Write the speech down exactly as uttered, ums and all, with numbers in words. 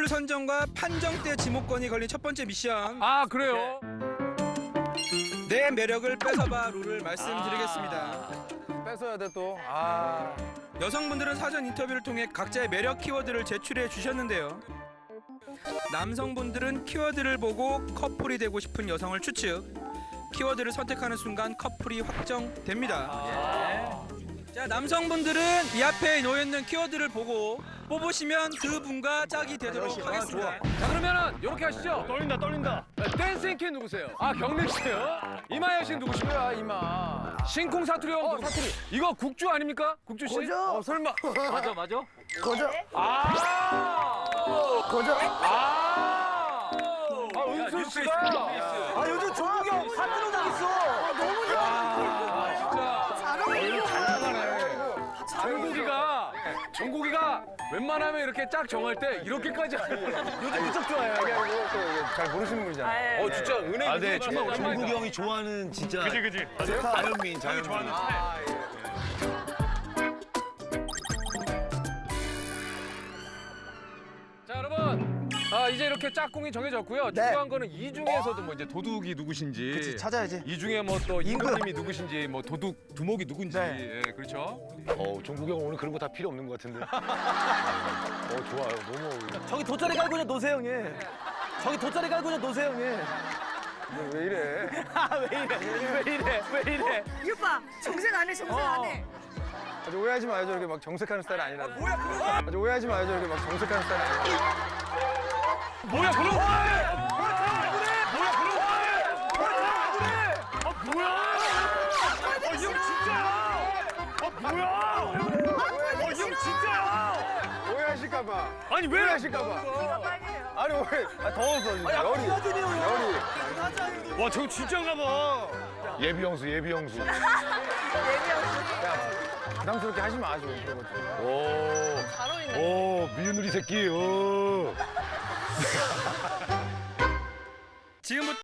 모델 선정과 판정 때 지목권이 걸린 첫 번째 미션. 아 그래요? 내 매력을 뺏어봐 룰을 말씀드리겠습니다. 아, 뺏어야 돼 또. 아. 여성분들은 사전 인터뷰를 통해 각자의 매력 키워드를 제출해 주셨는데요. 남성분들은 키워드를 보고 커플이 되고 싶은 여성을 추측. 키워드를 선택하는 순간 커플이 확정됩니다. 자, 남성분들은 이 앞에 놓여있는 키워드를 보고 뽑으시면 그분과 짝이 되도록 하겠습니다. 자 그러면은 이렇게 하시죠. 떨린다 떨린다. 댄싱 퀸 누구세요? 아 경림 씨요? 이마연 씨 누구시고요? 이마. 신쿵 사투리 형. 어, 사투리. 이거 국주 아닙니까? 국주 씨? 거저. 어 설마. 맞아 맞아. 거저. 아. 거저. 아. 아 은수 씨가. 아 요즘 종국이 형 사투리 당했어. 아, 너무 좋아. 아, 진짜. 잘 어울려. 정국이가 정국이가 웬만하면 이렇게 짝 정할 때 이렇게까지 요즘 무척 좋아해요. 잘 모르시는 분이잖아요. 어 진짜 은행. 아, 네, 정말 오랜만이다. 종국이 형이 좋아하는 진짜 그지 그지. 자연민, 자연민. 좋아하는 아, 예. 자 여러분, 아 이제 이렇게 짝꿍이 정해졌고요. 네. 중요한 거는 이 중에서도 뭐 이제 도둑이 누구신지, 그치, 찾아야지. 이 중에 뭐 또 임금. 임금님이 누구신지, 뭐 도둑 두목이 누군지, 네. 예, 그렇죠. 어, 종국이 형 오늘 그런 거 다 필요 없는 것 같은데. 어, 좋아요. 너무 어울려. 저기 돗자리 깔고 그냥 노세요 형님. 저기 돗자리 깔고 그냥 노세요 형님. 왜 이래? 왜 이래? 왜 이래? 왜 이래? 이 오빠 정색 안 해, 정색 안 해. 아주 오해하지 마요. 저렇게 막 정색하는 스타일 아니라. 뭐야 그런 거? 아주 오해하지 마요. 저렇게 막 정색하는 스타일 아니라. 뭐야 그런 거? 뭐야 그런 거? 아 뭐야? 어, 이 형 진짜야? 아 뭐야? 어, 이 형 진짜야? 오해하실까봐. 아니 왜? 오해하실까봐. 이거 빨개요. 아니 오해. 아, 더워서 지금 열이. 열이. 와 저거 진짜인가 봐. 예비 형수, 예비 형수. 부담스럽게 하지 마, 좀 그런 거 좀. 오. 잘 어울리네. 오, 미운우리 새끼. 오. 지금부터